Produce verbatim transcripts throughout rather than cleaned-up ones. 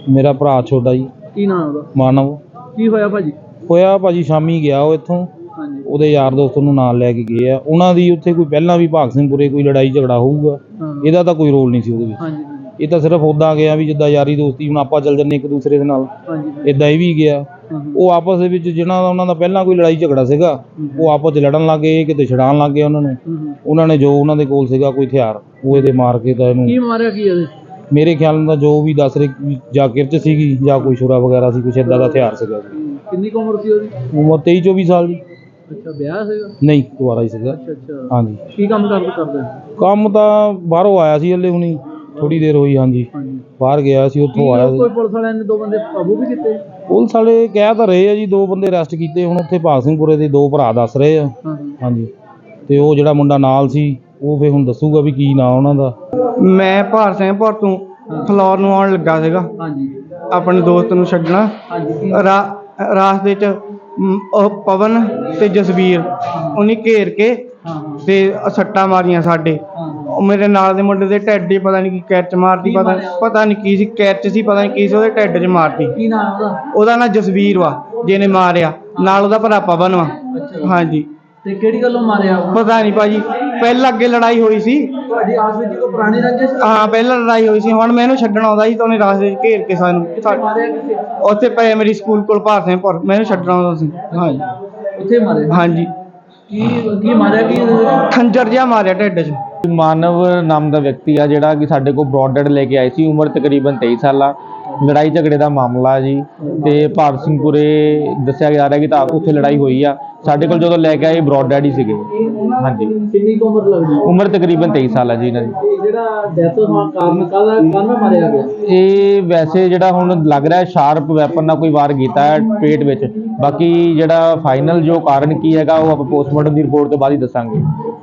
ਮੇਰਾ ਭਰਾ ਛੋਟਾ ਜੀ। ਕੀ ਨਾਮ ਉਹਦਾ? ਮਾਨਵ। ਕੀ ਹੋਇਆ ਭਾਜੀ? ਹੋਇਆ ਭਾਜੀ ਸ਼ਾਮੀ ਗਿਆ ਉਹ ਇੱਥੋਂ, ਹਾਂਜੀ ਉਹਦੇ ਯਾਰ ਦੋਸਤ ਨੂੰ ਨਾਲ ਲੈ ਕੇ ਗਏ ਆ। ਉਹਨਾਂ ਦੀ ਉੱਥੇ ਕੋਈ ਪਹਿਲਾਂ ਵੀ ਭਾਗ ਸਿੰਘਪੁਰੇ ਕੋਈ ਲੜਾਈ ਝਗੜਾ ਹੋਊਗਾ, ਇਹਦਾ ਤਾਂ ਕੋਈ ਰੋਲ ਨਹੀਂ ਸੀ ਉਹਦੇ ਵਿੱਚ। ਹਾਂਜੀ ਇਹ ਤਾਂ ਸਿਰਫ ਉੱਦਾਂ ਗਿਆ ਵੀ ਜਿੱਦਾਂ ਯਾਰੀ ਦੋਸਤੀ ਹੁਣ ਆਪਾਂ ਚੱਲ ਜੰਨੇ ਇੱਕ ਦੂਸਰੇ ਦੇ ਨਾਲ, ਹਾਂਜੀ ਇੱਦਾਂ ਇਹ ਵੀ ਗਿਆ। ਉਹ ਆਪਸ ਦੇ ਵਿੱਚ ਜਿਹਨਾਂ ਦਾ ਉਹਨਾਂ ਦਾ ਪਹਿਲਾਂ ਕੋਈ ਲੜਾਈ ਝਗੜਾ ਸੀਗਾ, ਉਹ ਆਪਸ 'ਚ ਲੜਨ ਲੱਗ ਗਏ, ਕਿਤੇ ਛਡਾਉਣ ਲੱਗ ਗਏ ਉਹਨਾਂ ਨੂੰ। ਉਹਨਾਂ ਨੇ ਜੋ ਉਹਨਾਂ ਦੇ ਕੋਲ ਸੀਗਾ ਕੋਈ ਹਥਿਆਰ, ਉਹ ਇਹਦੇ ਮਾਰ ਕੇ ਤਾਂ ਇਹਨੂੰ। ਕੀ ਮਾਰਿਆ ਕੀ ਇਹਦੇ? ਮੇਰੇ ਖਿਆਲ ਨਾਲ ਜੋ ਵੀ ਦੱਸ ਰਹੇ ਜਾਂ ਕਿਰਚ ਸੀਗੀ ਜਾਂ ਕੋਈ ਛੁਰਾ ਵਗੈਰਾ ਸੀ, ਕੁਛ ਇੱਦਾਂ ਦਾ ਹਥਿਆਰ ਸੀਗਾ। ਕਿੰਨੀ ਕੁ ਉਮਰ ਸੀ ਉਹਦੀ? ਉਮਰ ਤੇਈ ਚੌਵੀ ਸਾਲ ਦੀ। ਅੱਛਾ, ਵਿਆਹ ਸੀਗਾ? ਨਹੀਂ, ਦੁਬਾਰਾ ਹੀ ਸੀਗਾ। ਅੱਛਾ ਅੱਛਾ, ਹਾਂਜੀ। ਕੀ ਕੰਮ ਕਰਦੇ ਕਰਦੇ? ਕੰਮ ਤਾਂ ਬਾਹਰੋਂ ਆਇਆ ਸੀ ਹਲੇ ਹੁਣੀ, ਥੋੜੀ ਦੇਰ ਹੋਈ। ਹਾਂਜੀ, ਬਾਹਰ ਗਿਆ ਸੀ, ਉੱਥੋਂ ਆਇਆ ਸੀ। ਕੋਈ ਪੁਲਿਸ ਵਾਲਿਆਂ ਨੇ ਦੋ ਬੰਦੇ ਕਾਬੂ ਵੀ ਕੀਤੇ? ਪੁਲਿਸ ਵਾਲੇ ਕਹਿ ਤਾਂ ਰਹੇ ਆ ਜੀ, ਦੋ ਬੰਦੇ ਅਰੈਸਟ ਕੀਤੇ। ਹੁਣ ਉੱਥੇ ਭਾਗ ਸਿੰਘਪੁਰੇ ਦੇ ਦੋ ਭਰਾ ਦੱਸ ਰਹੇ ਆ। ਹਾਂਜੀ, ਤੇ ਉਹ ਜਿਹੜਾ ਮੁੰਡਾ ਨਾਲ ਸੀ ਉਹ ਫਿਰ ਹੁਣ ਦੱਸੂਗਾ ਵੀ ਕੀ ਨਾਂ ਉਹਨਾਂ ਦਾ। ਮੈਂ ਭਾਰ ਸਿੰਘਪੁਰ ਤੋਂ ਫਲੋਰ ਨੂੰ ਆਉਣ ਲੱਗਾ ਸੀਗਾ, ਹਾਂਜੀ, ਆਪਣੇ ਦੋਸਤ ਨੂੰ ਛੱਡਣਾ। ਹਾਂਜੀ ਰਾ- ਰਾਸਤੇ 'ਚ ਮ, ਉਹ ਪਵਨ ਤੇ ਜਸਵੀਰ ਉਹਨੇ ਘੇਰ ਕੇ ਤੇ ਸੱਟਾਂ ਮਾਰੀਆਂ ਸਾਡੇ। ਉਹ ਮੇਰੇ ਨਾਲ ਦੇ ਮੁੰਡੇ ਦੇ ਢਿੱਡ 'ਚ ਪਤਾ ਨਹੀਂ ਕੀ ਕੈਚ ਮਾਰਤੀ, ਪਤਾ ਪਤਾ ਨਹੀਂ ਕੀ ਸੀ, ਕੈਚ ਸੀ ਪਤਾ ਨਹੀਂ ਕੀ ਸੀ, ਉਹਦੇ ਢਿੱਡ 'ਚ ਮਾਰਤੀ। ਕੀ ਨਾਮ ਉਹਦਾ? ਉਹਦਾ ਨਾਂ ਜਸਵੀਰ ਵਾ ਜਿਹਨੇ ਮਾਰਿਆ, ਨਾਲ ਉਹਦਾ ਭਰਾ ਪਵਨ ਵਾ। ਹਾਂਜੀ। ਤੇ ਕਿਹੜੀ ਗੱਲੋਂ ਮਾਰਿਆ? ਪਤਾ ਨਹੀਂ ਭਾਜੀ, ਪਹਿਲਾਂ ਅੱਗੇ ਲੜਾਈ ਹੋਈ ਸੀ ਤੁਹਾਡੀ ਆਸ ਵਿੱਚ ਕੋਈ ਪੁਰਾਣੀ ਰੰਜਿਸ਼? ਹਾਂ, ਪਹਿਲਾਂ ਲੜਾਈ ਹੋਈ ਸੀ। ਹੁਣ ਮੈਂ ਇਹਨੂੰ ਛੱਡਣ ਆਉਂਦਾ ਸੀ ਤਾਂ ਉਹਨੇ ਰਾਸਤੇ 'ਚ ਘੇਰ ਕੇ ਸਾਨੂੰ ਮਾਰਿਆ ਕਿੱਥੇ? ਉੱਥੇ ਪ੍ਰਾਇਮਰੀ ਸਕੂਲ ਕੋਲ ਭਾਰ ਸਿੰਘਪੁਰ, ਮੈਂ ਇਹਨੂੰ ਛੱਡਣ ਆਉਂਦਾ ਸੀ। ਹਾਂਜੀ ਉੱਥੇ ਮਾਰਿਆ? ਹਾਂਜੀ। ਕੀ ਕੀ ਮਾਰਿਆ ਕੀ? ਖੰਜਰ ਜਿਹਾ ਮਾਰਿਆ ਢਿੱਡ 'ਚ। ਮਾਨਵ ਨਾਮ ਦਾ ਵਿਅਕਤੀ ਆ ਜਿਹੜਾ ਕਿ ਸਾਡੇ ਕੋਲ ਬਰੋਡਡ ਲੈ ਕੇ ਆਏ ਸੀ। ਉਮਰ ਤਕਰੀਬਨ ਤੇਈ ਸਾਲ ਆ। ਲੜਾਈ ਝਗੜੇ ਦਾ ਮਾਮਲਾ ਜੀ, ਤੇ ਭਾਰਤ ਸਿੰਘਪੁਰੇ ਦੱਸਿਆ ਜਾ ਰਿਹਾ ਕਿ ਤਾਂ ਉੱਥੇ ਲੜਾਈ ਹੋਈ ਆ। ਸਾਡੇ ਕੋਲ ਜਦੋਂ ਲੈ ਕੇ ਆਏ ਬਰੋਡਡ ਹੀ ਸੀਗੇ। ਹਾਂਜੀ। ਕਿੰਨੀ ਕੁ ਉਮਰ ਲੱਗਦੀ? ਉਮਰ ਤਕਰੀਬਨ ਤੇਈ ਸਾਲ ਆ ਜੀ ਇਹਨਾਂ ਦੀ। ਜਿਹੜਾ ਡੈਥ ਹੋਣ ਕਾਰਨ ਕਾਹਦਾ ਕਾਹਦਾ ਮਾਰਿਆ ਗਿਆ? ਇਹ ਵੈਸੇ ਜਿਹੜਾ ਹੁਣ ਲੱਗ ਰਿਹਾ ਸ਼ਾਰਪ ਵੈਪਨ ਨਾਲ ਕੋਈ ਵਾਰ ਕੀਤਾ ਹੈ ਪੇਟ ਵਿੱਚ। ਬਾਕੀ ਜਿਹੜਾ ਫਾਈਨਲ ਜੋ ਕਾਰਨ ਕੀ ਹੈਗਾ ਉਹ ਆਪਾਂ ਪੋਸਟਮਾਰਟਮ ਦੀ ਰਿਪੋਰਟ ਤੋਂ ਬਾਅਦ ਹੀ ਦੱਸਾਂਗੇ।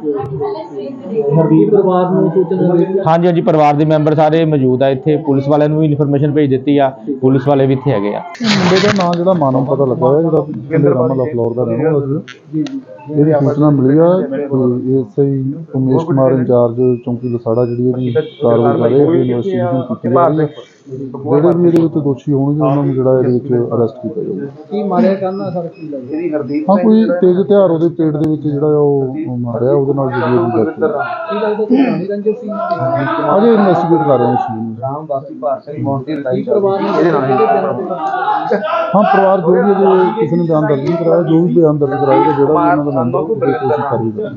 ਹਰਦੀਪ ਪਰਿਵਾਰ ਨੂੰ ਸੂਚਨਾ ਦਿੱਤੀ? ਹਾਂਜੀ ਹਾਂਜੀ, ਪਰਿਵਾਰ ਦੇ ਮੈਂਬਰ ਸਾਰੇ ਮੌਜੂਦ ਆ ਇੱਥੇ। ਪੁਲਿਸ ਵਾਲਿਆਂ ਨੂੰ ਵੀ ਇਨਫੋਰਮੇਸ਼ਨ ਭੇਜ ਦਿੱਤੀ ਆ, ਪੁਲਿਸ ਵਾਲੇ ਵੀ ਇੱਥੇ ਹੈਗੇ ਆ। ਮੁੰਡੇ ਦਾ ਨਾਂ ਜਿਹੜਾ ਮਾਨਵ ਪਤਾ ਲੱਗਾ ਹੋਇਆ, ਜਿਹੜਾ ਕਹਿੰਦੇ ਰਾਮਾ ਫਲੋਰ ਦਾ ਰਹਿਣ ਵਾਲਾ ਸੀ। ਇਹਦੀ ਸੂਚਨਾ ਮਿਲੀ ਆ ਕਿ ਐਸਆਈ ਉਮੇਸ਼ ਕੁਮਾਰ ਇੰਚਾਰਜ ਚੌਂਕੀ ਲਸਾੜਾ ਜਿਹੜੀ ਇਹਦੀ ਕਾਰਵਾਈ ਕਰ ਰਹੇ ਆ, ਇਨਵੈਸਟੀਗੇਸ਼ਨ ਕੀਤੀ ਜਾ ਰਹੀ ਹੈ। ਜਿਹੜੇ ਵੀ ਇਹਦੇ ਵਿੱਚ ਦੋਸ਼ੀ ਹੋਣਗੇ ਉਹਨਾਂ ਨੂੰ ਜਿਹੜਾ ਇਹਦੇ ਵਿੱਚ ਅਰੈਸਟ ਕੀਤਾ ਜਾਊਗਾ। ਕੀ ਮਾਰਿਆ ਕਰਨਾ ਸਰ? ਕੀ ਲੱਗਦਾ? ਹਾਂ, ਕੋਈ ਤੇਜ਼ ਹਥਿਆਰ ਉਹਦੇ ਪੇਟ ਦੇ ਵਿੱਚ ਜਿਹੜਾ ਉਹ ਮਾਰਿਆ, ਉਹਦੇ ਨਾਲ ਜਿਹੜੀ ਉਹਦੀ ਡੈਥ ਹੋਈ। ਕੀ ਲੱਗਦਾ ਕੋਈ ਪੁਰਾਣੀ ਰੰਜਿਸ਼ ਸੀ? ਅਜੇ ਇਨਵੈਸਟੀਗੇਟ ਕਰ ਰਹੇ ਹਾਂ ਇਸ ਚੀਜ਼ ਨੂੰ। ਰਾਮਦਾਸੀ ਭਾਰ ਸਿੰਘ ਮੌਤ ਦੀ ਲੜਾਈ ਪਰਿਵਾਰ ਨੇ ਇਹਦੇ ਨਾਲ? ਹਾਂ, ਪਰਿਵਾਰ ਜੋ ਵੀ ਅਜੇ ਕਿਸੇ ਨੇ ਬਿਆਨ ਦਰਜ ਨਹੀਂ ਕਰਾਇਆ, ਜੋ ਵੀ ਬਿਆਨ ਦਰਜ ਕਰਾਏਗਾ ਜਿਹੜਾ ਵੀ ਉਹਨਾਂ ਦਾ ਮੈਂਬਰ ਉਹਦੇ ਕੋਸ਼ਿਸ਼ ਕਰ ਰਹੀ ਹੈ।